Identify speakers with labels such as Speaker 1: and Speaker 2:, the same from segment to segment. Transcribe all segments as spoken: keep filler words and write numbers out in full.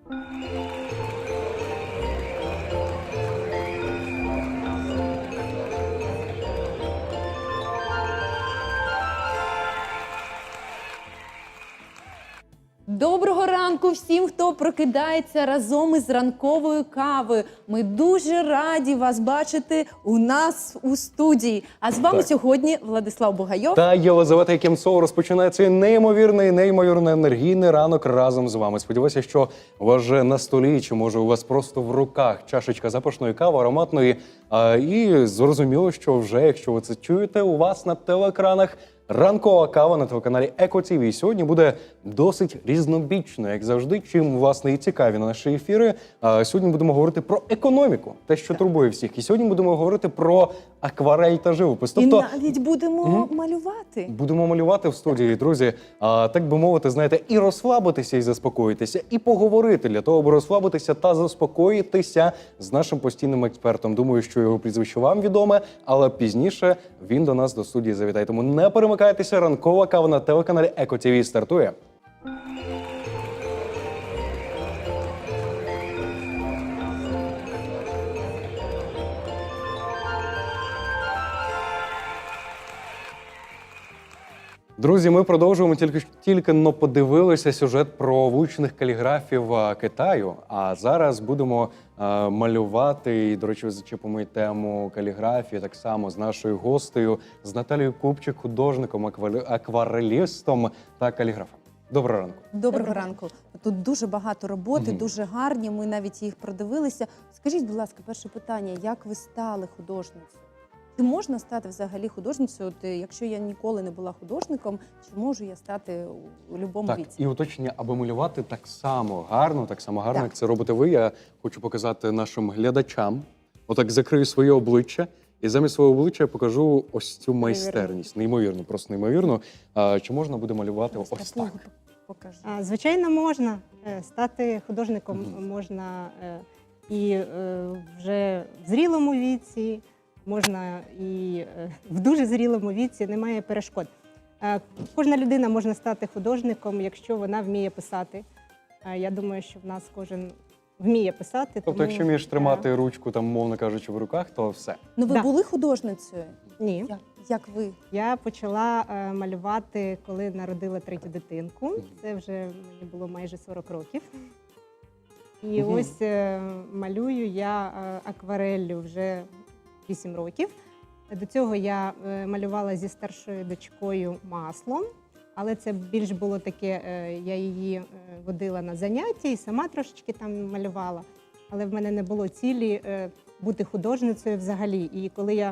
Speaker 1: Доброго ранку всім, хто прокидається разом із ранковою кавою. Ми дуже раді вас бачити у нас у студії. А з вами
Speaker 2: Так.
Speaker 1: сьогодні Владислав Бугайов.
Speaker 2: Та Єлизавета Якимцова розпочинає цей неймовірний, неймовірно енергійний ранок разом з вами. Сподіваюся, що у вас вже на столі, чи може у вас просто в руках чашечка запашної кави, ароматної. А, і зрозуміло, що вже, якщо ви це чуєте, у вас на телеекранах ранкова кава на телеканалі Еко ТВ. І сьогодні буде досить різнобічно, як завжди, чим, власне, і цікаві на наші ефіри. А, сьогодні будемо говорити про економіку, те, що турбує всіх. І сьогодні будемо говорити про акварель та живопис. Тобто,
Speaker 1: І навіть будемо
Speaker 2: Мгм.
Speaker 1: малювати.
Speaker 2: будемо малювати в студії, друзі. А, так би мовити, знаєте, і розслабитися, і заспокоїтися, і поговорити для того, аби розслабитися та заспокоїтися з нашим постійним експертом. Думаю, що його прізвище вам відоме, але пізніше він до нас до студії завітає. Тому не перемикайтеся, ранкова кава на телеканалі Еко ТВ стартує. Друзі, ми продовжуємо, тільки тільки но подивилися сюжет про вуличних каліграфів а, Китаю. А зараз будемо а, малювати, і, до речі, зачепимо і тему каліграфії так само з нашою гостею, з Наталією Купчик, художником, акварель- акварелістом та каліграфом. Доброго ранку.
Speaker 1: Доброго ранку. Тут дуже багато роботи,
Speaker 2: Мгм.
Speaker 1: дуже гарні. Ми навіть їх продивилися. Скажіть, будь ласка, перше питання: як ви стали художницею? Чи можна стати взагалі художницею? От, е, якщо я ніколи не була художником, чи можу я стати у будь-якому
Speaker 2: Так,
Speaker 1: віці?
Speaker 2: і уточнення, аби малювати так само гарно, так само гарно,
Speaker 1: Так.
Speaker 2: як це робите ви, я хочу показати нашим глядачам. Отак закрию своє обличчя, і замість свого обличчя я покажу ось цю майстерність. Неймовірно, просто неймовірно. А, чи можна буде малювати ось так?
Speaker 1: Такого покажу.
Speaker 3: А, Звичайно, можна. Е, Стати художником
Speaker 2: Мгм.
Speaker 3: можна е, і е, вже в зрілому віці, можна і е, в дуже зрілому віці, немає перешкод. Е, Кожна людина може стати художником, якщо вона вміє писати. Е, Я думаю, що в нас кожен вміє писати.
Speaker 2: Тобто,
Speaker 3: тому,
Speaker 2: якщо вмієш
Speaker 3: е,
Speaker 2: тримати ручку, там, мовно кажучи, в руках, то все.
Speaker 1: Ну, ви
Speaker 3: Да.
Speaker 1: були художницею?
Speaker 3: Ні.
Speaker 1: Як, як ви?
Speaker 3: Я почала е, малювати, коли народила третю дитинку.
Speaker 2: Мгм.
Speaker 3: Це вже мені було майже сорок років. І
Speaker 2: Мгм.
Speaker 3: ось е, малюю я е, аквареллю вже вісім років. До цього я е, малювала зі старшою дочкою маслом, але це більш було таке, е, я її е, водила на заняття і сама трошечки там малювала. Але в мене не було цілі е, бути художницею взагалі. І коли я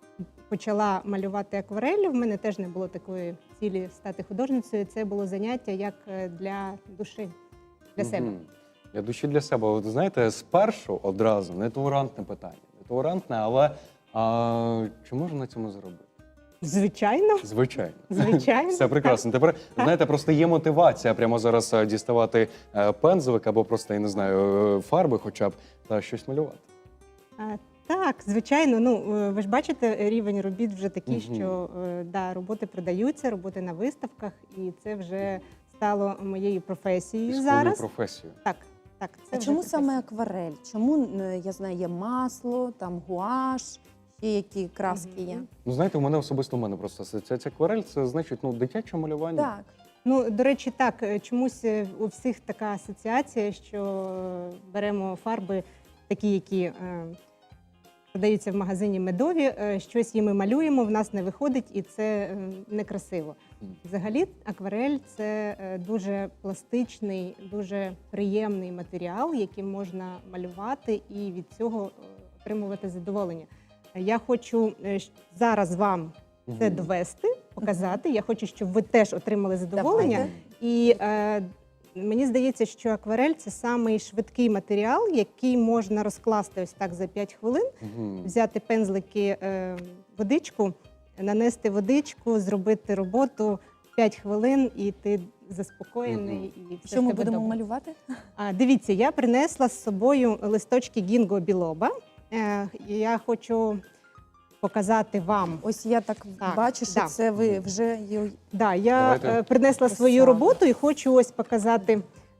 Speaker 3: почала малювати аквареллю, в мене теж не було такої цілі стати художницею. Це було заняття як е, для душі, для себе.
Speaker 2: Мгм. Для душі, для себе. От знаєте, спершу одразу нетолерантне питання. Нетолерантне, але а, чи можна на цьому заробити?
Speaker 3: Звичайно,
Speaker 2: Звичайно.
Speaker 3: звичайно.
Speaker 2: Все прекрасно. Тепер, знаєте, просто є мотивація прямо зараз е, діставати е, пензлик або просто, я не знаю, е, фарби хоча б, та щось малювати.
Speaker 3: А, Так, звичайно. Ну е, ви ж бачите, рівень робіт вже такий,
Speaker 2: Мгм.
Speaker 3: що е, да, роботи продаються, роботи на виставках, і це вже стало моєю професією
Speaker 2: Свою
Speaker 3: зараз.
Speaker 2: професію.
Speaker 3: Так, так. Це
Speaker 1: А
Speaker 3: вже
Speaker 1: чому
Speaker 3: професія.
Speaker 1: саме акварель? Чому, е, я знаю, є масло, там гуаш, ще які краски є?
Speaker 3: Мгм.
Speaker 2: Ну, знаєте, у мене особисто у мене просто асоціація акварель, це значить, ну, дитяче малювання.
Speaker 1: Так.
Speaker 3: Ну, до речі, так, е, чомусь е, у всіх така асоціація, що е, беремо фарби такі, які е, продаються в магазині медові, е, щось їми малюємо, в нас не виходить, і це е, некрасиво.
Speaker 2: Мгм.
Speaker 3: Взагалі, акварель – це е, дуже пластичний, дуже приємний матеріал, яким можна малювати і від цього е, отримувати задоволення. Я хочу е, щ- зараз вам це
Speaker 2: Мгм.
Speaker 3: довести, показати. Я хочу, щоб ви теж отримали задоволення.
Speaker 1: Давайте.
Speaker 3: І е, мені здається, що акварель – це самий швидкий матеріал, який можна розкласти ось так за п'ять хвилин,
Speaker 2: Мгм.
Speaker 3: взяти пензлики, е, водичку, нанести водичку, зробити роботу п'ять хвилин, і ти заспокоєний. І все
Speaker 1: Що
Speaker 3: в
Speaker 1: ми
Speaker 3: тебе
Speaker 1: будемо
Speaker 3: добре.
Speaker 1: малювати?
Speaker 3: А, дивіться, я принесла з собою листочки гінго білоба. Е, і я хочу показати вам.
Speaker 1: Ось я так,
Speaker 3: Так,
Speaker 1: бачу, що
Speaker 3: да.
Speaker 1: це ви вже ї-
Speaker 3: Да, я
Speaker 2: Давайте.
Speaker 3: е, принесла свою
Speaker 1: Красава.
Speaker 3: роботу і хочу ось показати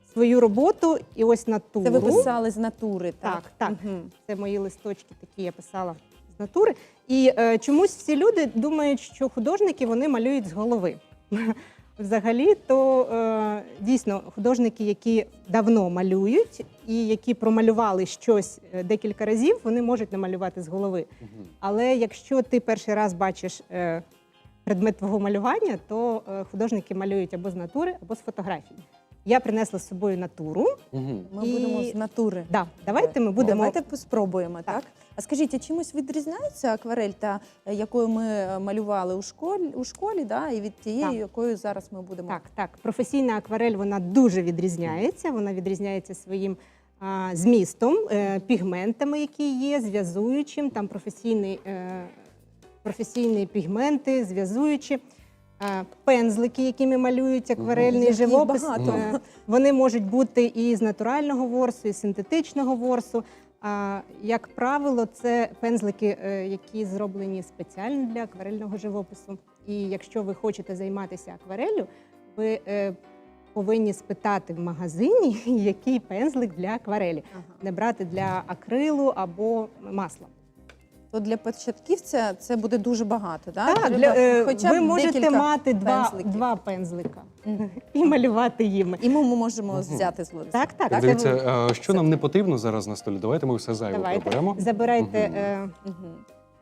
Speaker 3: свою роботу і ось натуру.
Speaker 1: Це ви писали з натури, так?
Speaker 3: Так, так.
Speaker 1: Мгм.
Speaker 3: Це мої листочки, такі я писала з натури. І е, чомусь всі люди думають, що художники вони малюють з голови. Взагалі, то е, дійсно художники, які давно малюють і які промалювали щось е, декілька разів, вони можуть намалювати з голови.
Speaker 2: Мгм.
Speaker 3: Але якщо ти перший раз бачиш е, предмет твого малювання, то е, художники малюють або з натури, або з фотографій. Я принесла з собою натуру.
Speaker 2: Мгм.
Speaker 1: Ми
Speaker 3: І-
Speaker 1: будемо з натури.
Speaker 3: Да, давайте ми будемо.
Speaker 1: Давайте спробуємо, так?
Speaker 3: Так.
Speaker 1: А скажіть, а чимось відрізняється акварель, та е, якою ми е, малювали у школі, у школі, да, і від тієї,
Speaker 3: Так.
Speaker 1: якою зараз ми будемо?
Speaker 3: Так, так. Професійна акварель вона дуже відрізняється. Вона відрізняється своїм а, змістом, е, пігментами, які є, зв'язуючим. Там професійний, е, професійні пігменти, зв'язуючі. е, Пензлики, якими малюють акварельний
Speaker 1: Яких
Speaker 3: живопис,
Speaker 1: багато.
Speaker 3: е, вони можуть бути і з натурального ворсу, і з синтетичного ворсу. А, як правило, це пензлики, е, які зроблені спеціально для акварельного живопису. І якщо ви хочете займатися аквареллю, ви е, повинні спитати в магазині, який пензлик для акварелі.
Speaker 1: Ага.
Speaker 3: Не брати для акрилу або масла.
Speaker 1: То для початківця це буде дуже багато, да?
Speaker 3: Так,
Speaker 1: Треба
Speaker 3: для, е,
Speaker 1: хоча б
Speaker 3: ви можете
Speaker 1: декілька
Speaker 3: мати два,
Speaker 1: пензликів.
Speaker 3: два пензлика
Speaker 1: Мгм.
Speaker 3: і малювати їми.
Speaker 1: І ми можемо
Speaker 2: Мгм.
Speaker 1: взяти з Лариси.
Speaker 3: Так, так.
Speaker 2: Так,
Speaker 3: це
Speaker 2: дивіться,
Speaker 3: ви-
Speaker 2: е, що нам не потрібно зараз на столі. Давайте ми все зайве
Speaker 3: Давайте.
Speaker 2: приберемо.
Speaker 3: Забирайте.
Speaker 2: Мгм.
Speaker 3: е,
Speaker 1: Мгм.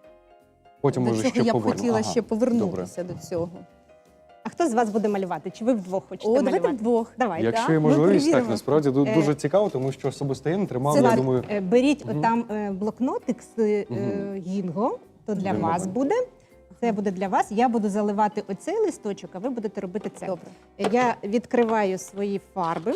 Speaker 2: Потім
Speaker 1: До
Speaker 2: може
Speaker 1: цього
Speaker 2: ще
Speaker 1: я б
Speaker 2: повернемо.
Speaker 1: хотіла
Speaker 2: Ага,
Speaker 1: ще
Speaker 2: добре.
Speaker 1: повернутися до цього.
Speaker 3: А хто з вас буде малювати? Чи ви вдвох хочете
Speaker 1: О, давайте
Speaker 3: малювати?
Speaker 1: вдвох.
Speaker 3: Давайте.
Speaker 2: Якщо
Speaker 1: да?
Speaker 2: є
Speaker 1: Ми
Speaker 2: можливість, так
Speaker 1: перевіримо.
Speaker 2: насправді ду-
Speaker 3: Е,
Speaker 2: дуже цікаво, тому що особисто я не тримав,
Speaker 3: Це
Speaker 2: я
Speaker 3: так,
Speaker 2: думаю,
Speaker 3: е, беріть
Speaker 2: Мгм.
Speaker 3: там е, блокнотик з е,
Speaker 2: Мгм.
Speaker 3: гінго, то для
Speaker 2: Один
Speaker 3: вас
Speaker 2: момент.
Speaker 3: буде. Це буде для вас. Я буду заливати оцей листочок, а ви будете робити це.
Speaker 1: Добре.
Speaker 3: Е, Я відкриваю свої фарби.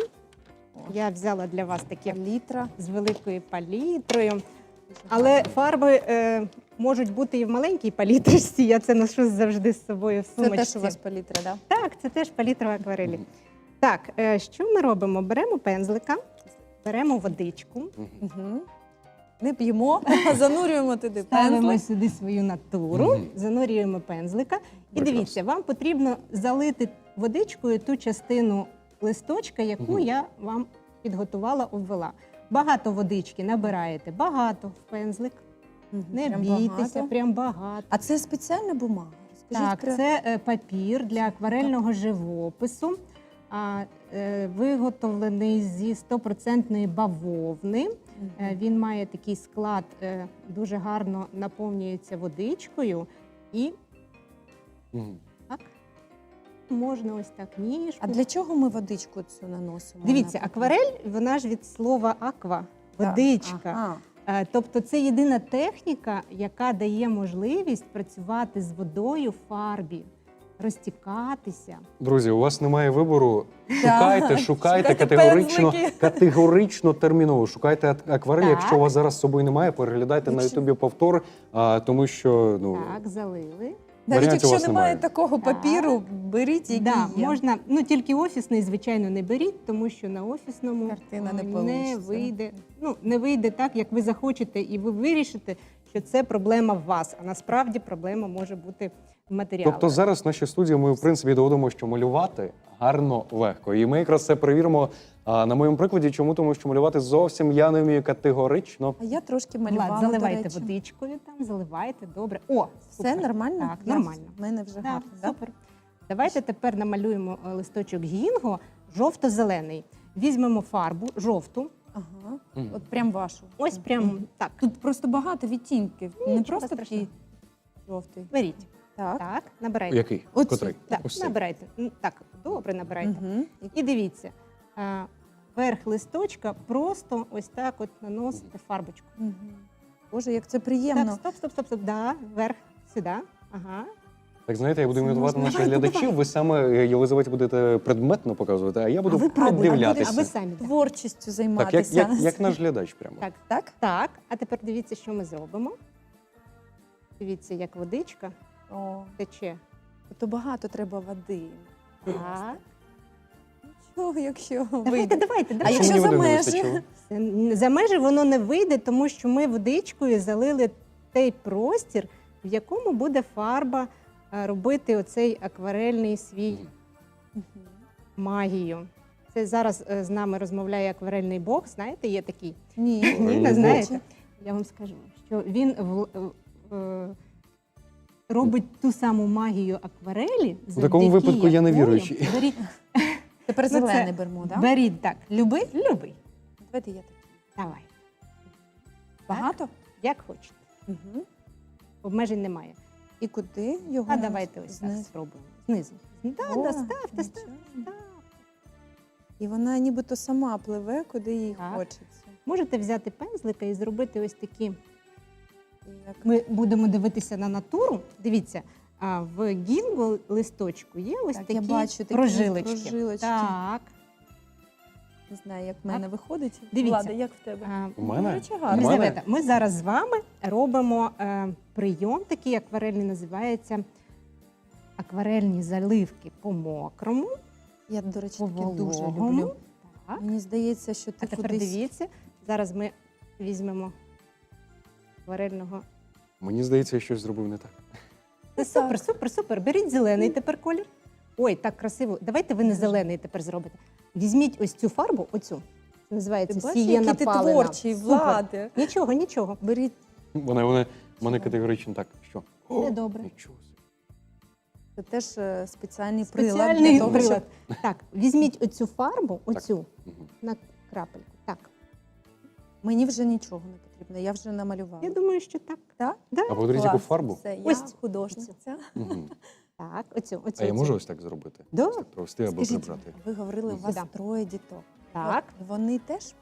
Speaker 3: Я взяла для вас таке
Speaker 1: Літра.
Speaker 3: з великою палітрою. Але фарби е, можуть бути і в маленькій палітрочці. Я це ношу завжди з собою в
Speaker 1: Це
Speaker 3: сумочці.
Speaker 1: теж у вас палітра, да?
Speaker 3: Так, це теж палітра в акварелі. Так, е, що ми робимо? Беремо пензлика, беремо водичку,
Speaker 1: Угу. Не п'ємо, занурюємо туди
Speaker 3: ставимо
Speaker 1: пензлик.
Speaker 3: сюди свою натуру,
Speaker 2: Мгм.
Speaker 3: занурюємо пензлика. І
Speaker 2: Прекрасно.
Speaker 3: дивіться, вам потрібно залити водичкою ту частину листочка, яку
Speaker 2: Мгм.
Speaker 3: я вам підготувала, обвела. Багато водички набираєте, багато в пензлик.
Speaker 1: Мгм.
Speaker 3: Не
Speaker 1: Прям
Speaker 3: бійтеся,
Speaker 1: багато.
Speaker 3: прям багато.
Speaker 1: А це спеціальна бумага? Розкажіть
Speaker 3: Так,
Speaker 1: про-
Speaker 3: це е, папір для акварельного живопису, а, е, виготовлений зі стопроцентної бавовни.
Speaker 1: Мгм.
Speaker 3: Е, Він має такий склад, е, дуже гарно наповнюється водичкою, і
Speaker 2: Мгм.
Speaker 3: так можна ось так ніжку.
Speaker 1: А для чого ми водичку цю наносимо?
Speaker 3: Дивіться,
Speaker 1: на-
Speaker 3: акварель, вона ж від слова аква,
Speaker 1: Так.
Speaker 3: водичка.
Speaker 1: Ага.
Speaker 3: Е, Тобто це єдина техніка, яка дає можливість працювати з водою в фарбі, розтікатися.
Speaker 2: Друзі, у вас немає вибору. Шукайте,
Speaker 1: Так.
Speaker 2: шукайте
Speaker 1: Шукайте
Speaker 2: категорично,
Speaker 1: пензлики.
Speaker 2: категорично терміново. Шукайте ак- акварель.
Speaker 3: Так.
Speaker 2: Якщо у вас зараз з собою немає, переглядайте на
Speaker 1: Якщо-
Speaker 2: Ютубі повтор, а, тому що ну
Speaker 3: Так, залили.
Speaker 1: Навіть
Speaker 2: варіантів у
Speaker 1: якщо
Speaker 2: вас
Speaker 1: немає
Speaker 2: немає.
Speaker 1: такого
Speaker 3: Так.
Speaker 1: папіру, беріть, який
Speaker 3: Да,
Speaker 1: є.
Speaker 3: можна, ну тільки офісний, звичайно, не беріть, тому що на офісному
Speaker 1: Картина не
Speaker 3: е,
Speaker 1: получиться.
Speaker 3: вийде. Ну не вийде так, як ви захочете, і ви вирішите, що це проблема в вас. А насправді проблема може бути в матеріалах.
Speaker 2: Тобто зараз в нашій студії ми в принципі доводимо, що малювати гарно легко. І ми якраз це перевіримо а, на моєму прикладі. Чому? Тому що малювати зовсім я не вмію категорично.
Speaker 1: А я трошки малювала,
Speaker 3: Влад,
Speaker 1: до
Speaker 3: заливайте
Speaker 1: речі.
Speaker 3: водичкою там, заливайте, добре. О,
Speaker 1: Все
Speaker 3: супер.
Speaker 1: нормально?
Speaker 3: Так,
Speaker 1: Я-
Speaker 3: нормально.
Speaker 1: В мене вже
Speaker 3: Так,
Speaker 1: гарно, да?
Speaker 3: супер. Давайте тепер намалюємо е, листочок гінго жовто-зелений. Візьмемо фарбу жовту.
Speaker 1: Ага.
Speaker 2: Мгм.
Speaker 1: От прям вашу.
Speaker 3: Ось прям так.
Speaker 1: Тут просто багато відтінків. Не
Speaker 3: Нічого
Speaker 1: просто
Speaker 3: страшного.
Speaker 1: такий жовтий.
Speaker 3: Беріть.
Speaker 1: Так.
Speaker 3: Так, набирайте.
Speaker 2: Який?
Speaker 1: Оцю.
Speaker 2: Котрий?
Speaker 3: Так,
Speaker 2: Ось цей.
Speaker 3: набирайте. М, Так, добре набирайте.
Speaker 1: Угу.
Speaker 3: І дивіться, а, верх листочка просто ось так от наносите фарбочку.
Speaker 1: Угу. Боже, як це приємно.
Speaker 3: Так, стоп, стоп, стоп, стоп. Да, вверх, сюди. Ага.
Speaker 2: Так, знаєте, я буду
Speaker 1: Це
Speaker 2: імітувати
Speaker 1: можна.
Speaker 2: наших
Speaker 3: Давайте,
Speaker 2: глядачів.
Speaker 3: давайте.
Speaker 2: Ви саме е, Єлизаветі будете предметно показувати, а я буду
Speaker 3: А ви пробуйте,
Speaker 2: придивлятися.
Speaker 3: а ви самі. так.
Speaker 1: Творчістю
Speaker 2: Так, як,
Speaker 1: займатися.
Speaker 2: як, як наш глядач прямо.
Speaker 3: Так,
Speaker 1: Так?
Speaker 3: так. А тепер дивіться, що ми зробимо. Дивіться, як водичка
Speaker 1: О,
Speaker 3: тече.
Speaker 1: то багато треба води.
Speaker 3: Так.
Speaker 1: Нічого, якщо
Speaker 3: Давайте,
Speaker 1: вийде.
Speaker 3: давайте,
Speaker 1: А
Speaker 3: давайте.
Speaker 1: якщо
Speaker 2: мені
Speaker 1: за
Speaker 2: води не
Speaker 1: межі?
Speaker 2: вистачило?
Speaker 3: Це- За межі воно не вийде, тому що ми водичкою залили той простір, в якому буде фарба е, робити оцей акварельний свій
Speaker 1: Мгм.
Speaker 3: магію. Це зараз е, з нами розмовляє акварельний бог. Знаєте, є такий.
Speaker 1: Ні,
Speaker 3: Ні, не
Speaker 2: Бог.
Speaker 3: знаєте. Я вам скажу, що він в, в, е, робить ту саму магію акварелі.
Speaker 2: У такому
Speaker 3: завдяки
Speaker 2: випадку я не
Speaker 3: якою-
Speaker 2: віруючий.
Speaker 3: Беріть,
Speaker 1: Тепер
Speaker 3: Ну, це-
Speaker 1: зелений беремо, так?
Speaker 3: беріть так. Любий? Любий.
Speaker 1: Давайте я так.
Speaker 3: Давай.
Speaker 1: Багато?
Speaker 3: Як хочете.
Speaker 1: Угу.
Speaker 3: Обмежень немає.
Speaker 1: І куди його?
Speaker 3: А давайте ось так
Speaker 1: знизу?
Speaker 3: спробуємо. Знизу. Да,
Speaker 1: О,
Speaker 3: да, ставте,
Speaker 1: нічого.
Speaker 3: ставте.
Speaker 1: І вона нібито сама пливе, куди їй
Speaker 3: Так.
Speaker 1: хочеться.
Speaker 3: Можете взяти пензлика і зробити ось такі.
Speaker 1: І як...
Speaker 3: Ми будемо дивитися на натуру. Дивіться, а в гінго листочку є ось
Speaker 1: Так,
Speaker 3: такі,
Speaker 1: я бачу такі
Speaker 3: прожилочки.
Speaker 1: прожилочки.
Speaker 3: Так.
Speaker 1: Не знаю, як в мене виходить.
Speaker 3: Дивіться.
Speaker 1: Влада, як в тебе?
Speaker 3: А,
Speaker 2: У мене?
Speaker 1: До речі,
Speaker 2: У
Speaker 1: гарно.
Speaker 2: мене?
Speaker 3: Єлизавета, ми зараз з вами робимо е, прийом, такий акварельний, називається акварельні заливки по мокрому,
Speaker 1: Я, до речі,
Speaker 3: по
Speaker 1: таке дуже
Speaker 3: вологому.
Speaker 1: люблю.
Speaker 3: Так.
Speaker 1: Мені здається, що ти
Speaker 3: А тепер
Speaker 1: кудись...
Speaker 3: дивіться, зараз ми візьмемо акварельного.
Speaker 2: Мені здається, я щось зробив не так.
Speaker 3: Це супер, супер, супер. Беріть зелений тепер колір. Ой, так красиво. Давайте ви не зелений тепер зробите. Візьміть ось цю фарбу, оцю. Це
Speaker 1: Ти
Speaker 3: називається
Speaker 1: бачиш,
Speaker 3: сієна
Speaker 1: який ти
Speaker 3: палена.
Speaker 1: творчий,
Speaker 3: Супер.
Speaker 1: Влади.
Speaker 3: Нічого, нічого.
Speaker 1: Беріть.
Speaker 2: Вона, вона, мене
Speaker 1: Що?
Speaker 2: категорично так. Що?
Speaker 3: Все добре.
Speaker 2: Нічого собі.
Speaker 1: Це теж е, спеціальний прилад
Speaker 3: Спеціальний
Speaker 1: для того,
Speaker 3: прилад. Так, візьміть оцю фарбу, оцю,
Speaker 2: Мгм.
Speaker 3: на крапельку. Так.
Speaker 1: щоб мені вже нічого не потрібно. Я вже намалювала.
Speaker 3: Я думаю, що так.
Speaker 1: Так?
Speaker 3: Да?
Speaker 2: А подивіться, яку
Speaker 1: Клас.
Speaker 2: фарбу.
Speaker 1: Все, я
Speaker 3: Ось.
Speaker 1: художниця.
Speaker 2: Мгм.
Speaker 3: Так, оцю, оцю.
Speaker 2: А я
Speaker 3: оцю.
Speaker 2: можу ось так зробити?
Speaker 3: Да.
Speaker 2: Ось так провести або
Speaker 1: Скажіть,
Speaker 2: прибрати.
Speaker 1: ви говорили, у вас
Speaker 3: Да.
Speaker 1: троє діток.
Speaker 3: Так.
Speaker 1: От Вони теж?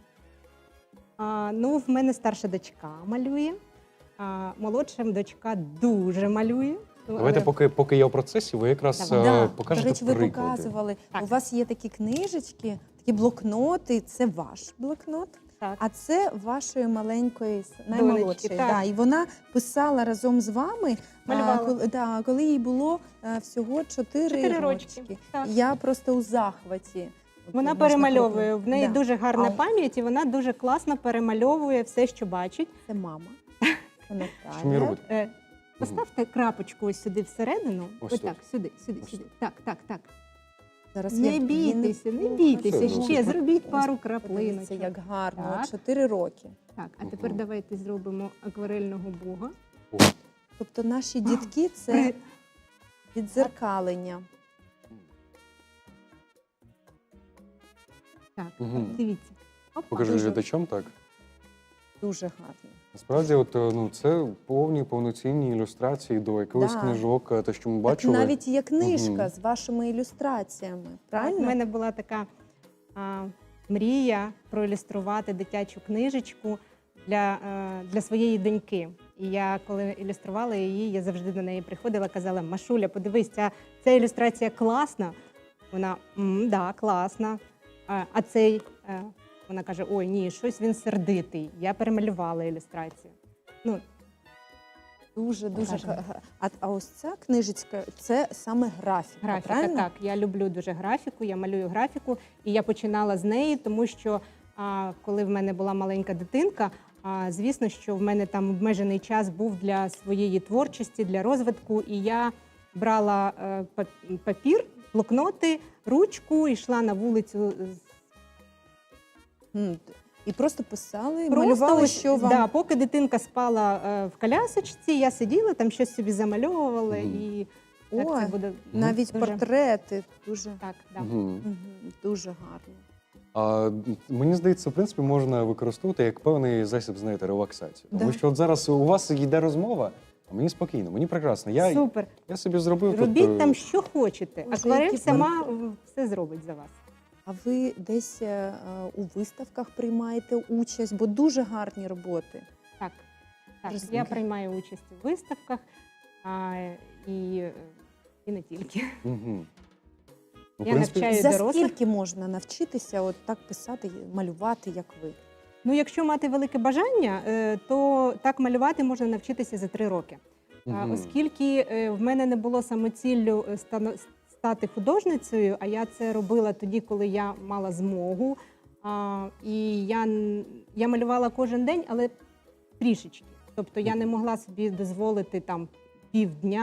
Speaker 3: А, ну, в мене старша дочка малює, а молодша дочка дуже малює. Ну,
Speaker 2: Давайте,
Speaker 3: але-
Speaker 2: поки, поки я в процесі, ви якраз
Speaker 3: Давай.
Speaker 2: е,
Speaker 1: Да.
Speaker 2: покажете
Speaker 1: До речі, ви
Speaker 2: приклади.
Speaker 1: показували.
Speaker 3: Так.
Speaker 1: У вас є такі книжечки, такі блокноти. Це ваш блокнот,
Speaker 3: Так.
Speaker 1: а це вашої маленької с- наймолодшої.
Speaker 3: так.
Speaker 1: Да, і вона писала разом з вами,
Speaker 3: Малювала.
Speaker 1: а, коли, да, коли їй було е, всього чотири
Speaker 3: Чотири
Speaker 1: рочки.
Speaker 3: рочки, так.
Speaker 1: Я просто у захваті. От
Speaker 3: Вона
Speaker 1: можна
Speaker 3: перемальовує.
Speaker 1: крупно.
Speaker 3: В неї
Speaker 1: Да.
Speaker 3: дуже гарна
Speaker 1: А-
Speaker 3: пам'ять, і вона дуже класно перемальовує все, що бачить.
Speaker 1: Це мама. Це
Speaker 2: Що мені
Speaker 1: Наталя.
Speaker 2: робити?
Speaker 3: Е, Поставте крапочку ось сюди всередину.
Speaker 2: Ось
Speaker 3: Ось
Speaker 2: тут.
Speaker 3: так, сюди, сюди,
Speaker 2: Ось
Speaker 3: сюди.
Speaker 2: тут.
Speaker 3: Так, так, так.
Speaker 1: Зараз
Speaker 3: Не
Speaker 1: я-
Speaker 3: бійтеся, не
Speaker 1: Ох,
Speaker 3: бійтеся.
Speaker 2: Все,
Speaker 3: Ще
Speaker 2: ну,
Speaker 3: зробіть
Speaker 1: ось
Speaker 3: пару
Speaker 1: Подивіться,
Speaker 3: краплиночок.
Speaker 1: як гарно.
Speaker 3: Так.
Speaker 1: От Чотири роки.
Speaker 3: Так, а тепер
Speaker 2: Мгм.
Speaker 3: давайте зробимо акварельного бога.
Speaker 2: О,
Speaker 1: Тобто наші дітки це
Speaker 3: При-
Speaker 1: відзеркалення.
Speaker 3: Так,
Speaker 2: Мгм.
Speaker 3: дивіться. Опа.
Speaker 2: покажи
Speaker 1: дуже.
Speaker 2: глядачам, так.
Speaker 1: Дуже гарно.
Speaker 2: Насправді, от, е, ну, це повні повноцінні ілюстрації до якихось
Speaker 1: Да.
Speaker 2: книжок, е, те, що ми
Speaker 1: Так
Speaker 2: бачили.
Speaker 1: навіть є книжка
Speaker 2: Мгм.
Speaker 1: з вашими ілюстраціями.
Speaker 3: Так,
Speaker 1: Правильно?
Speaker 3: у мене була така а, мрія проілюструвати дитячу книжечку для, е, для своєї доньки. І я, коли ілюструвала її, я завжди до неї приходила, казала: Машуля, подивись, ця, ця ілюстрація класна. Вона «М, да, класна. А, а цей е, вона каже: ой, ні, щось він сердитий. Я перемалювала ілюстрацію. Ну,
Speaker 1: Дуже дуже
Speaker 3: Покажемо.
Speaker 1: га- га- а, а ось ця книжечка це саме графіка.
Speaker 3: Графіка,
Speaker 1: правильно?
Speaker 3: так. Я люблю дуже графіку, я малюю графіку. І я починала з неї, тому що а, коли в мене була маленька дитинка, а, звісно, що в мене там обмежений час був для своєї творчості, для розвитку. І я брала е, пап- папір, блокноти, ручку, йшла на вулицю. з-
Speaker 1: М, І просто писали,
Speaker 3: Просто
Speaker 1: малювали,
Speaker 3: ось,
Speaker 1: що вам.
Speaker 3: да, поки дитинка спала е, в колясочці, я сиділа, там щось собі замальовувала.
Speaker 2: Мгм.
Speaker 3: І так
Speaker 1: Ой,
Speaker 3: це буде
Speaker 1: навіть
Speaker 3: дуже-
Speaker 1: портрети. Дуже,
Speaker 3: Так, да.
Speaker 2: Мгм.
Speaker 1: Мгм, дуже гарно.
Speaker 2: А, м, мені здається, в принципі, можна використовувати як певний засіб, знаєте, релаксації. Тому
Speaker 1: Да.
Speaker 2: що от зараз у вас йде розмова, а мені спокійно, мені прекрасно. Я,
Speaker 3: Супер.
Speaker 2: я собі зробив
Speaker 3: Робіть
Speaker 2: тут, е,
Speaker 3: там, що хочете.
Speaker 1: Боже,
Speaker 3: Акварель
Speaker 1: які
Speaker 3: сама м, все зробить за вас.
Speaker 1: А ви десь е, у виставках приймаєте участь, бо дуже гарні роботи.
Speaker 3: Так, так.
Speaker 1: Розумію.
Speaker 3: Я приймаю участь у виставках а, і, е, і не тільки.
Speaker 2: Мгм. Ну, в
Speaker 3: Я
Speaker 2: принципі,
Speaker 3: навчаю
Speaker 1: За
Speaker 3: дорослих.
Speaker 1: скільки можна навчитися от так писати, малювати, як ви?
Speaker 3: Ну, якщо мати велике бажання, е, то так малювати можна навчитися за три роки. А,
Speaker 2: Мгм.
Speaker 3: Оскільки е, в мене не було самоціллю е, стано- стати художницею, а я це робила тоді, коли я мала змогу. А, І я, н- я малювала кожен день, але трішечки. Тобто я не могла собі дозволити там півдня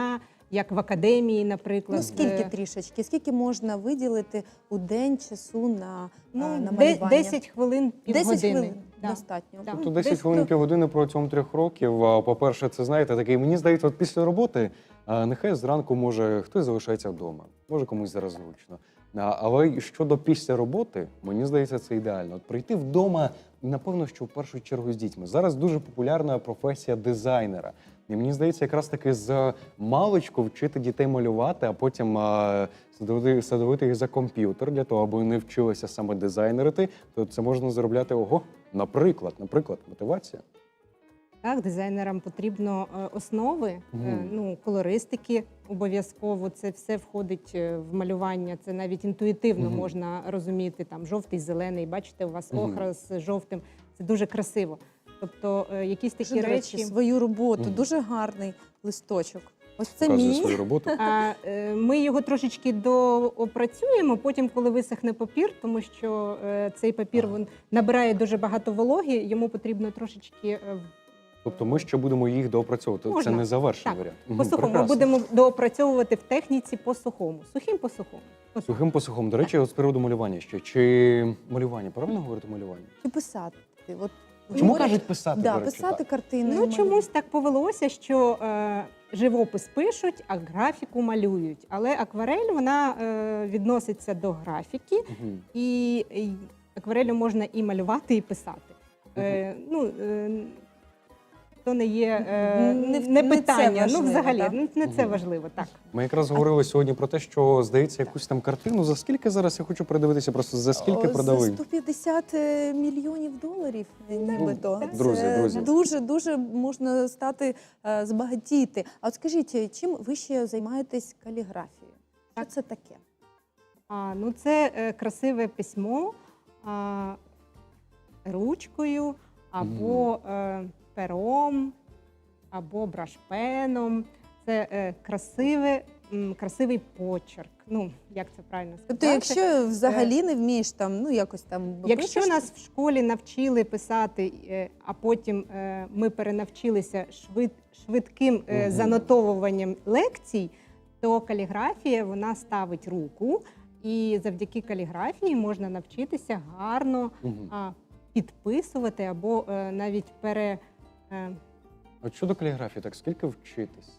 Speaker 3: як в академії, наприклад.
Speaker 1: Ну, скільки
Speaker 3: Е,
Speaker 1: трішечки? Скільки можна виділити у день часу на,
Speaker 3: ну,
Speaker 1: а, на
Speaker 3: де-
Speaker 1: малювання?
Speaker 3: десять хвилин,
Speaker 1: десять
Speaker 3: півгодини.
Speaker 1: хвилин
Speaker 3: Да.
Speaker 1: достатньо.
Speaker 3: Так.
Speaker 1: Ну,
Speaker 2: Тобто десять
Speaker 1: десь
Speaker 2: хвилин,
Speaker 1: то-
Speaker 2: півгодини протягом трьох років. А, По-перше, це знаєте, такий, мені здається, от після роботи, а, нехай зранку може хтось залишається вдома, може комусь зараз зручно. А, Але щодо після роботи, мені здається, це ідеально. От прийти вдома, напевно, що в першу чергу з дітьми. Зараз дуже популярна професія дизайнера. І мені здається, якраз таки з маличку вчити дітей малювати, а потім а, садовити, садовити їх за комп'ютер для того, аби вони вчилися саме дизайнерити, то це можна заробляти ого, наприклад, наприклад, мотивація.
Speaker 3: Так, дизайнерам потрібно е, основи, е,
Speaker 2: Мгм.
Speaker 3: ну, колористики обов'язково. Це все входить е, в малювання. Це навіть інтуїтивно
Speaker 2: Мгм.
Speaker 3: можна розуміти. Там жовтий, зелений. Бачите, у вас
Speaker 2: Мгм.
Speaker 3: охра з жовтим. Це дуже красиво. Тобто е, якісь такі
Speaker 1: Дуже, до речі,
Speaker 3: речі.
Speaker 1: свою роботу.
Speaker 2: Мгм.
Speaker 1: Дуже гарний листочок. Ось це
Speaker 2: Показує
Speaker 1: мій.
Speaker 2: свою роботу.
Speaker 3: А, е, ми його трошечки доопрацюємо, потім, коли висохне папір, тому що е, цей папір
Speaker 2: Ага.
Speaker 3: він набирає дуже багато вологи, йому потрібно трошечки е, в-
Speaker 2: Тобто ми ще будемо їх доопрацьовувати.
Speaker 3: Можна.
Speaker 2: Це не завершений
Speaker 3: Так,
Speaker 2: варіант. Мгм,
Speaker 3: по сухому. Ми
Speaker 2: прекрасно.
Speaker 3: будемо доопрацьовувати в техніці по сухому. Сухим по сухому. По сухому.
Speaker 2: Сухим по сухому. До речі, от з приводу малювання ще. Чи малювання, правильно говорити малювання?
Speaker 1: Чи писати? От,
Speaker 2: Чому
Speaker 1: говорять,
Speaker 2: кажуть писати,
Speaker 1: да,
Speaker 2: до речі,
Speaker 1: писати
Speaker 2: так?
Speaker 1: картини.
Speaker 3: Ну чомусь так повелося, що е, живопис пишуть, а графіку малюють. Але акварель вона е, відноситься до графіки,
Speaker 2: Мгм.
Speaker 3: і, і акварелю можна і малювати, і писати. Е, ну, е, то не є е,
Speaker 1: Не
Speaker 3: не,
Speaker 1: в- не це
Speaker 3: питання. Ну,
Speaker 1: важливо,
Speaker 3: взагалі,
Speaker 1: так?
Speaker 3: ну, не це
Speaker 2: Мгм.
Speaker 3: важливо, так.
Speaker 2: Ми якраз говорили сьогодні про те, що здається, якусь там картину. За скільки зараз я хочу передивитися? Просто за скільки
Speaker 1: О,
Speaker 2: продали?
Speaker 1: За сто п'ятдесят е, мільйонів доларів, е, нібито.
Speaker 3: так.
Speaker 2: Друзі,
Speaker 1: Це
Speaker 2: друзі.
Speaker 1: Дуже, дуже можна стати, е, збагатіти. А от скажіть, чим ви ще займаєтесь каліграфією? Що це таке?
Speaker 3: А, ну, це е, красиве письмо а, ручкою або е, пером, або брашпеном. Це е, красиве, м, красивий почерк. Ну, як це правильно сказати?
Speaker 1: Тобто, якщо взагалі не вмієш там, ну якось там
Speaker 3: Якщо
Speaker 1: пишеш,
Speaker 3: нас в школі навчили писати, е, а потім е, ми перенавчилися швид, швидким е,
Speaker 2: Мгм.
Speaker 3: занотовуванням лекцій, то каліграфія вона ставить руку, і завдяки каліграфії можна навчитися гарно
Speaker 2: Мгм.
Speaker 3: а, підписувати або е, навіть пере. е,
Speaker 2: От щодо каліграфії, так скільки вчитись?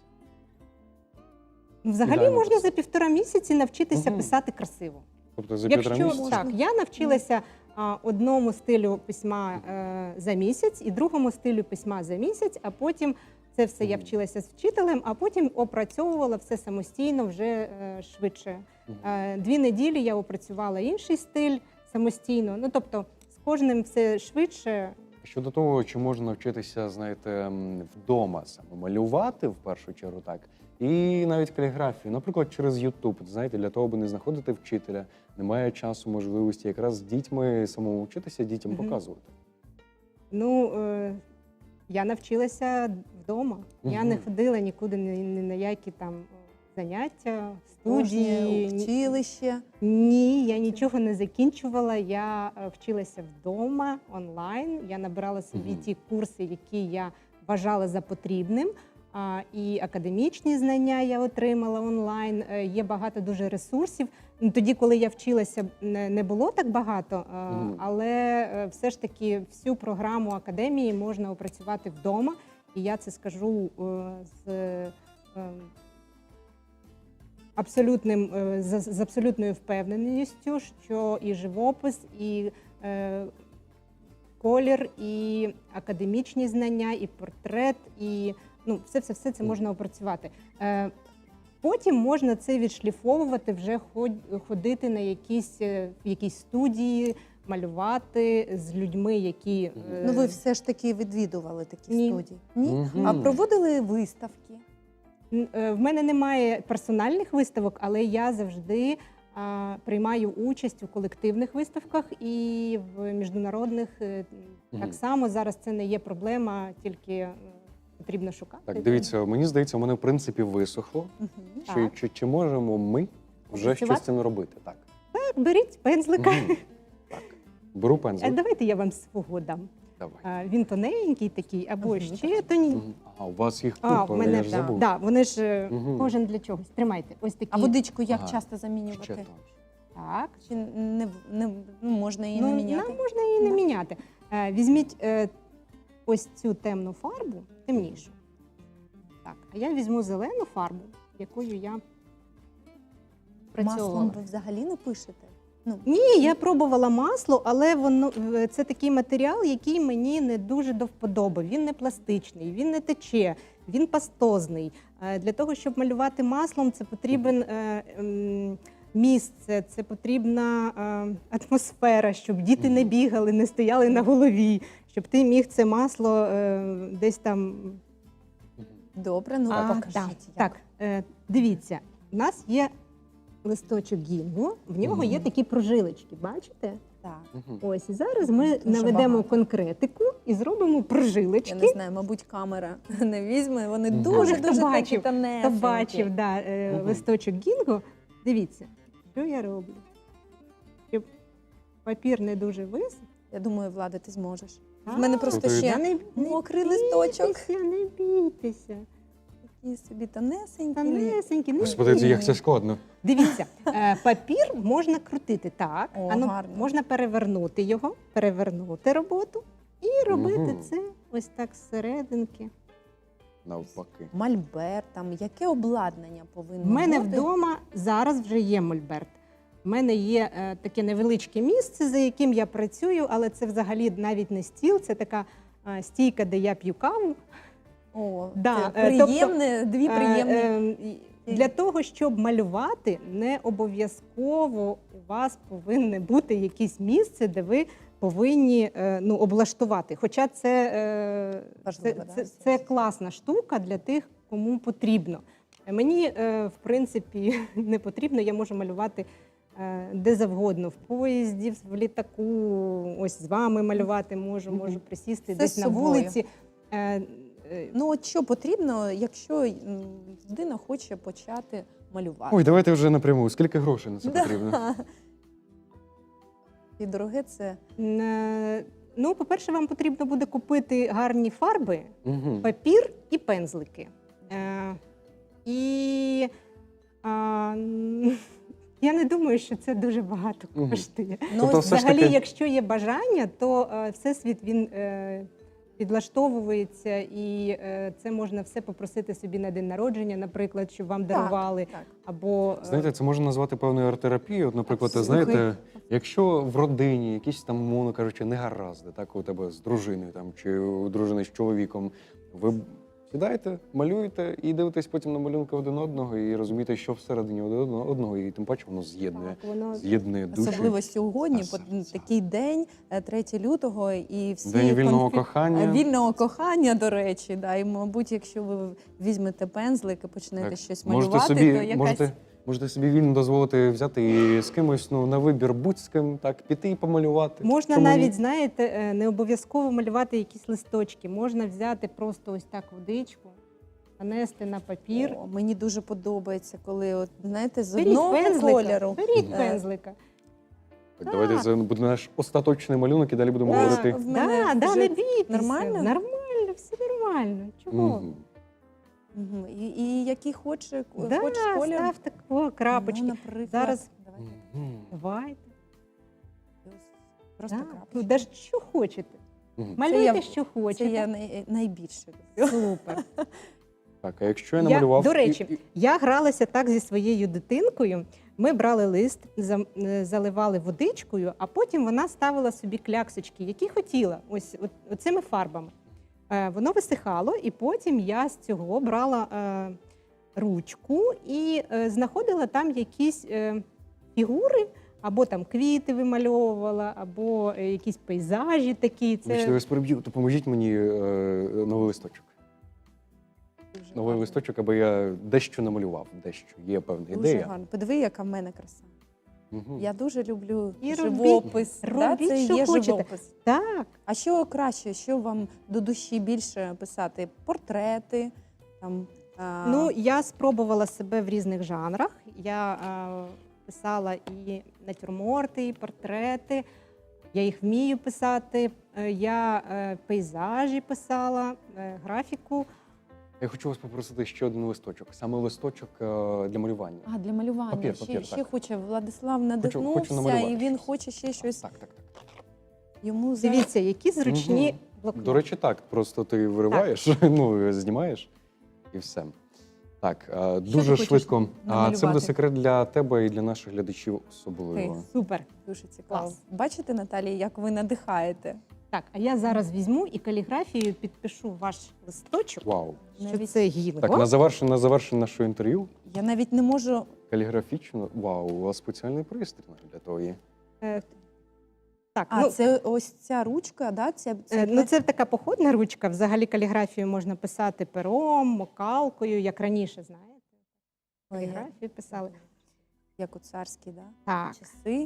Speaker 3: ну, Взагалі
Speaker 2: Ідеально
Speaker 3: можна
Speaker 2: писати.
Speaker 3: за півтора місяці навчитися
Speaker 2: Мгм.
Speaker 3: писати красиво.
Speaker 2: Тобто за півтора
Speaker 3: Якщо
Speaker 2: місяця?
Speaker 3: так, я навчилася а, одному стилю письма е, за місяць і другому стилю письма за місяць, а потім це все я
Speaker 2: Мгм.
Speaker 3: вчилася з вчителем, а потім опрацьовувала все самостійно вже е, швидше.
Speaker 2: Мгм.
Speaker 3: Е, дві неділі я опрацювала інший стиль самостійно. Ну тобто з кожним все швидше.
Speaker 2: Щодо того, чи можна навчитися, знаєте, м, вдома саме малювати в першу чергу, так, і навіть каліграфію, наприклад, через YouTube, знаєте, для того, аби не знаходити вчителя, немає часу, можливості якраз з дітьми самому вчитися, дітям
Speaker 3: Мгм.
Speaker 2: показувати.
Speaker 3: Ну е, я навчилася вдома. Я не
Speaker 2: Мгм.
Speaker 3: ходила нікуди ні, ні на які там е, заняття,
Speaker 1: художнє
Speaker 3: студії. ні-
Speaker 1: училище.
Speaker 3: Ні, я нічого не закінчувала. Я е, вчилася вдома онлайн. Я набирала собі
Speaker 2: Мгм.
Speaker 3: ті курси, які я вважала за потрібним. А, і академічні знання я отримала онлайн. Е, Є багато дуже ресурсів. Ну, тоді, коли я вчилася, не, не було так багато, е,
Speaker 2: Мгм.
Speaker 3: але е, все ж таки всю програму академії можна опрацювати вдома. І я це скажу е, з. е, Абсолютним е, з, з абсолютною впевненістю, що і живопис, і е, колір, і академічні знання, і портрет, і ну, все, все, все це можна опрацювати. Е, потім можна це відшліфовувати, вже ход- ходити на якісь, е, в якісь студії, малювати з людьми, які е,
Speaker 1: Ну ви все ж таки відвідували такі
Speaker 3: Ні.
Speaker 1: студії? Ні?
Speaker 2: Мгм.
Speaker 1: А проводили виставки?
Speaker 3: Н- е, В мене немає персональних виставок, але я завжди а, приймаю участь у колективних виставках і в міжнародних. е,
Speaker 2: Мгм.
Speaker 3: Так само зараз це не є проблема, тільки е, потрібно шукати.
Speaker 2: Так, дивіться, мені здається, у мене в принципі висохло.
Speaker 1: Мгм.
Speaker 2: Чи,
Speaker 3: Так.
Speaker 2: чи, чи можемо ми вже
Speaker 3: Працювати?
Speaker 2: щось з цим робити? Так.
Speaker 3: Так, беріть пензлика.
Speaker 2: Мгм. Так. Беру
Speaker 3: Е,
Speaker 2: пензлик.
Speaker 3: Давайте я вам свого дам.
Speaker 2: Давай.
Speaker 3: А, Він тоненький такий, або
Speaker 1: Мгм.
Speaker 3: ще тоненький.
Speaker 2: Мгм. А у вас їх
Speaker 3: А,
Speaker 2: купа,
Speaker 3: в мене
Speaker 2: я ж
Speaker 3: да,
Speaker 2: забув.
Speaker 3: да, вони ж е,
Speaker 2: Мгм.
Speaker 3: кожен для чогось. Тримайте, ось такі.
Speaker 1: А водичку як
Speaker 2: Ага.
Speaker 1: часто
Speaker 2: Ще
Speaker 1: замінювати?
Speaker 2: тонше.
Speaker 3: Так.
Speaker 1: Чи не, не ну, можна її
Speaker 3: Ну,
Speaker 1: не міняти?
Speaker 3: нам можна її не
Speaker 1: Да.
Speaker 3: міняти. Е, Візьміть е, ось цю темну фарбу, темнішу. Так, а я візьму зелену фарбу, якою я працювала.
Speaker 1: Маслом ви взагалі не пишете? Ну,
Speaker 3: Ні, я пробувала масло, але воно е, це такий матеріал, який мені не дуже до вподоби. Він не пластичний, він не тече, він пастозний. Е, Для того, щоб малювати маслом, це потрібен е, ем, місце, це потрібна е, атмосфера, щоб діти не бігали, не стояли на голові, щоб ти міг це масло е, десь там.
Speaker 1: добре, ну
Speaker 3: А,
Speaker 1: покажіть.
Speaker 3: так,
Speaker 1: як.
Speaker 3: так, е, дивіться, у нас є листочок гінгу, в нього є
Speaker 2: Мгм.
Speaker 3: такі прожилочки, бачите?
Speaker 1: Так.
Speaker 2: Мгм.
Speaker 3: Ось і зараз ми
Speaker 1: Дуже
Speaker 3: наведемо
Speaker 1: багато.
Speaker 3: конкретику і зробимо
Speaker 1: Я
Speaker 3: прожилочки.
Speaker 1: не знаю, мабуть, камера не візьме. Вони
Speaker 2: Мгм.
Speaker 1: дуже
Speaker 3: Хто
Speaker 1: дуже такі
Speaker 3: бачив,
Speaker 1: тонесенькі.
Speaker 3: Хто бачив да, е,
Speaker 2: Мгм.
Speaker 3: листочок гінгу, дивіться, що я роблю. Щоб папір не дуже висох.
Speaker 1: Я думаю, Влада, ти зможеш.
Speaker 3: А,
Speaker 1: В мене просто
Speaker 2: Та
Speaker 1: ще
Speaker 3: Та не, не
Speaker 1: мокрий листочок.
Speaker 3: бійтеся, не бійтеся.
Speaker 1: Такі собі тонесенькі.
Speaker 3: Тонесенькі, не
Speaker 2: Господи, це як це складно.
Speaker 3: Дивіться, е, папір можна крутити так,
Speaker 1: О,
Speaker 3: а ну,
Speaker 1: гарно.
Speaker 3: можна перевернути його, перевернути роботу і робити
Speaker 2: Мгм.
Speaker 3: це ось так зсерединки.
Speaker 2: Навпаки.
Speaker 1: Мольберт, там яке обладнання повинно
Speaker 3: В мене
Speaker 1: бути?
Speaker 3: вдома зараз вже є мольберт. У мене є е, таке невеличке місце, за яким я працюю, але це взагалі навіть не стіл, це така е, стійка, де я п'ю каву.
Speaker 1: О,
Speaker 3: Да,
Speaker 1: це
Speaker 3: е, тобто,
Speaker 1: приємне, дві
Speaker 3: Е,
Speaker 1: приємні.
Speaker 3: е, і Для того, щоб малювати, не обов'язково у вас повинне бути якесь місце, де ви повинні е, ну, облаштувати. Хоча це, е,
Speaker 1: Важливо,
Speaker 3: це,
Speaker 1: да,
Speaker 3: це,
Speaker 1: все
Speaker 3: це
Speaker 1: ж.
Speaker 3: класна штука для тих, кому потрібно. Мені, е, в принципі, не потрібно, я можу малювати е, де завгодно, в поїзді, в літаку, ось з вами малювати можу,
Speaker 1: Мгм.
Speaker 3: можу присісти
Speaker 1: Все
Speaker 3: десь
Speaker 1: з
Speaker 3: на
Speaker 1: собою.
Speaker 3: вулиці. Е, е,
Speaker 1: Ну, от що потрібно, якщо м, людина хоче почати малювати?
Speaker 2: Ой, давайте вже напряму. Скільки грошей на це
Speaker 1: Да.
Speaker 2: потрібно?
Speaker 1: І дороге це
Speaker 3: Е, Ну, по-перше, вам потрібно буде купити гарні фарби,
Speaker 2: Мгм.
Speaker 3: папір і пензлики. Е, І а, м, я не думаю, що це дуже багато
Speaker 2: Мгм.
Speaker 3: коштує.
Speaker 1: ну,
Speaker 2: Тобто
Speaker 1: ось
Speaker 2: все ж
Speaker 3: Взагалі,
Speaker 2: таки-
Speaker 3: якщо є бажання, то е, всесвіт він е, підлаштовується, і е, це можна все попросити собі на день народження, наприклад, щоб вам
Speaker 1: Так,
Speaker 3: дарували.
Speaker 1: так.
Speaker 3: Або е,
Speaker 2: Знаєте, це можна назвати певною арт-терапією. От, наприклад,
Speaker 1: Слухай.
Speaker 2: знаєте, якщо в родині якісь там, мовно кажучи, негаразди, так у тебе з дружиною там чи у дружини з чоловіком, ви сідаєте, малюєте і дивитесь потім на малюнки один одного і розумієте, що всередині один одного, і тим паче воно з'єднує,
Speaker 3: так, воно
Speaker 2: з'єднує душі.
Speaker 1: Особливо сьогодні,
Speaker 2: та
Speaker 1: по-
Speaker 2: серця.
Speaker 1: такий день, е, третього лютого, і всі
Speaker 2: День вільного
Speaker 1: конфі-
Speaker 2: кохання.
Speaker 1: Е, Вільного кохання, до речі, да. І, мабуть, якщо ви візьмете пензлик і почнете
Speaker 2: Так.
Speaker 1: щось
Speaker 2: Можете
Speaker 1: малювати,
Speaker 2: собі,
Speaker 1: то якась
Speaker 2: можете, можете собі вільно дозволити взяти і з кимось ну, на вибір будь з ким, так, піти і помалювати.
Speaker 3: Можна
Speaker 2: Чому ні?
Speaker 3: навіть, знаєте, е, не обов'язково малювати якісь листочки. Можна взяти просто ось так водичку, нанести на папір.
Speaker 1: О, мені дуже подобається, коли от знаєте, з
Speaker 3: Беріть
Speaker 1: одного
Speaker 3: пензлика,
Speaker 1: кольору.
Speaker 3: беріть
Speaker 1: Е,
Speaker 3: пензлика.
Speaker 2: Так, давайте
Speaker 3: Так.
Speaker 2: це буде наш остаточний малюнок, і далі будемо
Speaker 1: Да.
Speaker 2: говорити.
Speaker 1: В мене
Speaker 3: Да, да,
Speaker 1: вже
Speaker 3: не бійтеся.
Speaker 1: нормально?
Speaker 3: Нормально, все нормально. Чого?
Speaker 2: Мгм.
Speaker 1: Мгм. І, і який хоче,
Speaker 3: Да,
Speaker 1: хочеш колір.
Speaker 3: ставте о, крапочки.
Speaker 1: Ну, наприклад,
Speaker 3: Зараз-
Speaker 1: давайте.
Speaker 2: Мгм.
Speaker 3: Давайте.
Speaker 1: Просто
Speaker 3: Да.
Speaker 1: крапочки.
Speaker 3: Ну, де ж що хочете.
Speaker 2: Мгм.
Speaker 3: Малюйте,
Speaker 1: я-
Speaker 3: що
Speaker 1: Це
Speaker 3: хочете.
Speaker 1: я най, найбільше люблю.
Speaker 3: Супер.
Speaker 2: Так, а якщо я
Speaker 3: Я-
Speaker 2: намалював...
Speaker 3: до
Speaker 2: і-
Speaker 3: речі,
Speaker 2: і-
Speaker 3: Я гралася так зі своєю дитинкою. Ми брали лист, зам- е, заливали водичкою, а потім вона ставила собі кляксочки, які хотіла, ось от- оцими фарбами. Е, Воно висихало, і потім я з цього брала е, ручку і е, знаходила там якісь е, фігури, або там квіти вимальовувала, або е, якісь пейзажі такі.
Speaker 2: Вибачте, я
Speaker 3: Це
Speaker 2: вас переб'ю, допоможіть мені е, новий листочок.
Speaker 1: Дуже
Speaker 2: Новий
Speaker 1: гарно.
Speaker 2: листочок, аби я дещо намалював, дещо. Є певна
Speaker 1: Дуже
Speaker 2: ідея.
Speaker 1: гарно. Подиви, яка в мене краса.
Speaker 2: Мгм.
Speaker 1: Я дуже люблю
Speaker 3: І робіть-
Speaker 1: живопис.
Speaker 3: робіть,
Speaker 1: це
Speaker 3: що
Speaker 1: є
Speaker 3: хочете.
Speaker 1: живопис.
Speaker 3: так.
Speaker 1: А що краще, що вам до душі більше писати? Портрети? Там, а...
Speaker 3: Ну, я спробувала себе в різних жанрах. Я е, писала і натюрморти, і портрети. Я їх вмію писати. Е, Я е, пейзажі писала, е, графіку.
Speaker 2: Я хочу вас попросити ще один листочок. Саме листочок е, для малювання.
Speaker 1: А, для малювання.
Speaker 2: Папір,
Speaker 1: ще
Speaker 2: папір,
Speaker 1: ще
Speaker 2: так.
Speaker 1: хоче Владислав
Speaker 2: хочу
Speaker 1: надихнувся,
Speaker 2: намалювати
Speaker 1: і він
Speaker 2: щось.
Speaker 1: хоче ще щось
Speaker 2: Так, так, так.
Speaker 1: йому за...
Speaker 3: Дивіться, які зручні
Speaker 2: Мгм.
Speaker 3: блокноти.
Speaker 2: До речі, так. Просто ти вириваєш, ну, знімаєш і все. Так, е,
Speaker 1: ти
Speaker 2: дуже
Speaker 1: хочеш
Speaker 2: швидко. А це
Speaker 1: намалювати?
Speaker 2: буде секрет для тебе і для наших глядачів особливо.
Speaker 1: Окей.
Speaker 3: Супер.
Speaker 1: Дуже цікаво.
Speaker 3: Клас.
Speaker 1: Бачите, Наталія, як ви надихаєте?
Speaker 3: Так, а я зараз візьму і каліграфією підпишу ваш листочок,
Speaker 2: Вау.
Speaker 3: що
Speaker 1: Навіть-
Speaker 3: це гінго.
Speaker 2: Так, на завершення, на завершення нашого інтерв'ю
Speaker 1: Я навіть не можу.
Speaker 2: каліграфічно. Вау, у вас спеціальний пристрій для того є.
Speaker 3: Е, Так,
Speaker 1: А,
Speaker 3: ну,
Speaker 1: це ось ця ручка, да? Це, це...
Speaker 3: Е, Ну, це така походна ручка. Взагалі каліграфію можна писати пером, мокалкою, як раніше, знаєте.
Speaker 1: Ой, як-
Speaker 3: Каліграфію писали.
Speaker 1: як у царські, да?
Speaker 3: Так.
Speaker 1: часи.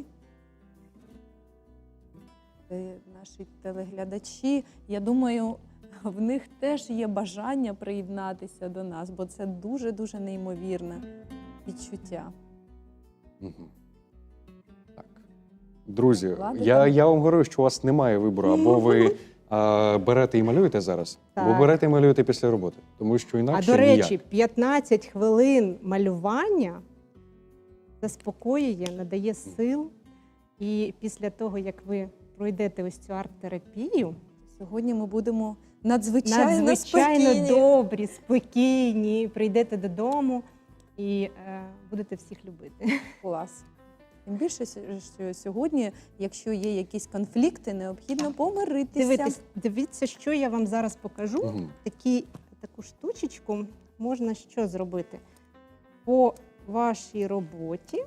Speaker 1: Е, Наші телеглядачі, я думаю, в них теж є бажання приєднатися до нас, бо це дуже-дуже неймовірне відчуття.
Speaker 2: Угу. Так. Друзі,
Speaker 1: Вкладите?
Speaker 2: я, я вам говорю, що у вас немає вибору. Або ви а, берете і малюєте зараз, або
Speaker 3: Так.
Speaker 2: берете і малюєте після роботи. Тому що
Speaker 3: А
Speaker 2: інакше
Speaker 3: до речі,
Speaker 2: ніяк.
Speaker 3: п'ятнадцять хвилин малювання заспокоює, надає сил. І після того, як ви пройдете ось цю арт-терапію,
Speaker 1: Сьогодні ми будемо надзвичайно,
Speaker 3: надзвичайно
Speaker 1: спокійні.
Speaker 3: добрі, спокійні, прийдете додому і е, будете всіх любити.
Speaker 1: Клас. Тим більше, що сьогодні, якщо є якісь конфлікти, необхідно помиритися.
Speaker 3: Дивіться, дивіться, що я вам зараз покажу.
Speaker 2: Мгм.
Speaker 3: Такі, таку штучечку можна що зробити? По вашій роботі.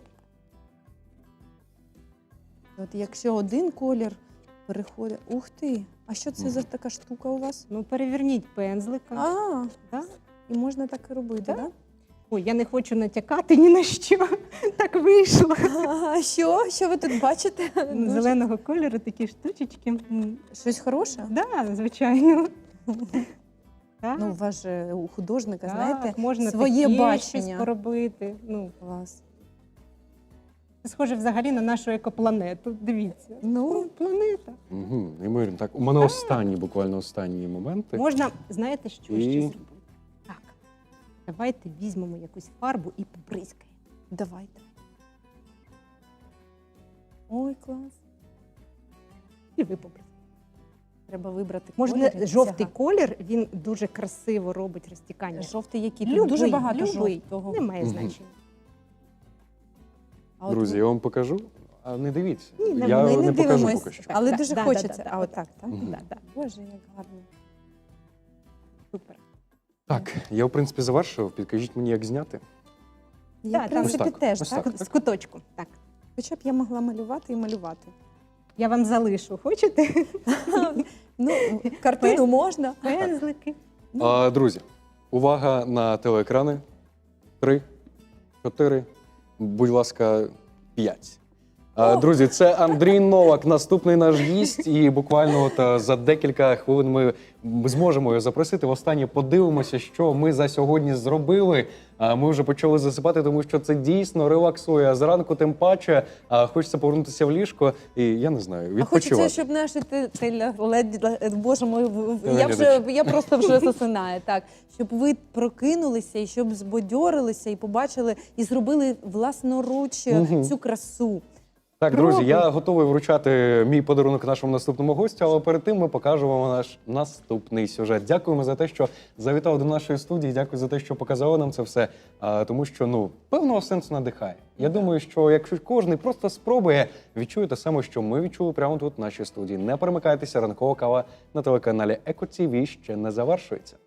Speaker 1: От якщо один колір переходить. Ух ти! А що це за така штука у вас?
Speaker 3: Ну, переверніть пензлика.
Speaker 1: А,
Speaker 3: Да?
Speaker 1: і можна так і робити,
Speaker 3: Да.
Speaker 1: так? Да?
Speaker 3: Ой, я не хочу натякати ні на що. Так вийшло.
Speaker 1: А що? Що ви тут бачите? Дуже-
Speaker 3: Зеленого кольору такі штучечки. М,
Speaker 1: Щось хороше?
Speaker 3: Да, звичайно. Так,
Speaker 1: Ну, у вас же у художника,
Speaker 3: так,
Speaker 1: знаєте,
Speaker 3: можна
Speaker 1: своє
Speaker 3: таке
Speaker 1: бачення.
Speaker 3: щось поробити. Ну,
Speaker 1: Клас.
Speaker 3: це схоже взагалі на нашу екопланету. Дивіться.
Speaker 1: Ну,
Speaker 3: Планета.
Speaker 2: Угу. Неймовірно. Так, у мене останні, буквально останні моменти.
Speaker 3: Можна, знаєте, що
Speaker 2: І-
Speaker 3: ще зробити? Так. Давайте візьмемо якусь фарбу і побризкаємо.
Speaker 1: давайте. Ой, клас.
Speaker 3: І ви побризкаєте.
Speaker 1: Треба вибрати
Speaker 3: Можна
Speaker 1: колір.
Speaker 3: жовтий
Speaker 1: Ага.
Speaker 3: колір, він дуже красиво робить розтікання.
Speaker 1: Жовтий який? Тут
Speaker 3: Любий,
Speaker 1: дуже багато
Speaker 3: любий.
Speaker 1: жовтого.
Speaker 3: Немає
Speaker 2: Мгм.
Speaker 3: значення.
Speaker 1: А от
Speaker 2: Друзі,
Speaker 1: ви-
Speaker 2: я вам покажу. А не дивіться.
Speaker 3: Ні, не-
Speaker 2: я
Speaker 1: ми
Speaker 2: не,
Speaker 1: не
Speaker 2: покажу
Speaker 1: дивимось,
Speaker 2: поки що.
Speaker 1: але
Speaker 3: Да,
Speaker 1: дуже
Speaker 3: да, да,
Speaker 1: хочеться.
Speaker 3: да,
Speaker 1: а
Speaker 3: да,
Speaker 1: отак, так?
Speaker 2: Мгм.
Speaker 3: Да, да.
Speaker 1: Боже, як гарно.
Speaker 3: Супер.
Speaker 2: Так, я в принципі завершив. Підкажіть мені, як зняти.
Speaker 1: Я,
Speaker 3: Да,
Speaker 1: в
Speaker 3: там-
Speaker 1: принципі,
Speaker 2: Ось так,
Speaker 1: теж,
Speaker 2: ось
Speaker 1: так?
Speaker 2: так.
Speaker 3: З куточку. Так.
Speaker 1: Хоча б я могла малювати і малювати.
Speaker 3: Я вам залишу. Хочете?
Speaker 1: Ну, картину можна.
Speaker 3: Пензлики.
Speaker 2: А, друзі, увага на телеекрани. Три, чотири, будь ласка, п'ять. А, друзі, це Андрій Новак, наступний наш гість. І буквально от а, за декілька хвилин ми зможемо його запросити. Востаннє подивимося, що ми за сьогодні зробили. А, ми вже почали засипати, тому що це дійсно релаксує. А зранку тим паче а, хочеться повернутися в ліжко і, я не знаю,
Speaker 1: А хочеться,
Speaker 2: відпочивати.
Speaker 1: щоб наші те- телеглед- Боже мой, в- в- я вже
Speaker 2: Телеглядачі.
Speaker 1: я просто вже засинаю. Так, щоб ви прокинулися і щоб збодьорилися і побачили і зробили власноруч
Speaker 2: Мгм.
Speaker 1: цю красу.
Speaker 2: Так, друзі,
Speaker 1: Пробуй.
Speaker 2: я готовий вручати мій подарунок нашому наступному гостю, але перед тим ми покажемо вам наш наступний сюжет. Дякуємо за те, що завітав до нашої студії. Дякую за те, що показали нам це все. А, тому що ну певного сенсу надихає. Я думаю, що якщо кожен просто спробує, відчує те саме, що ми відчули прямо тут в нашій студії. Не перемикайтеся, ранкова кава на телеканалі Еко ТІВІ ще не завершується.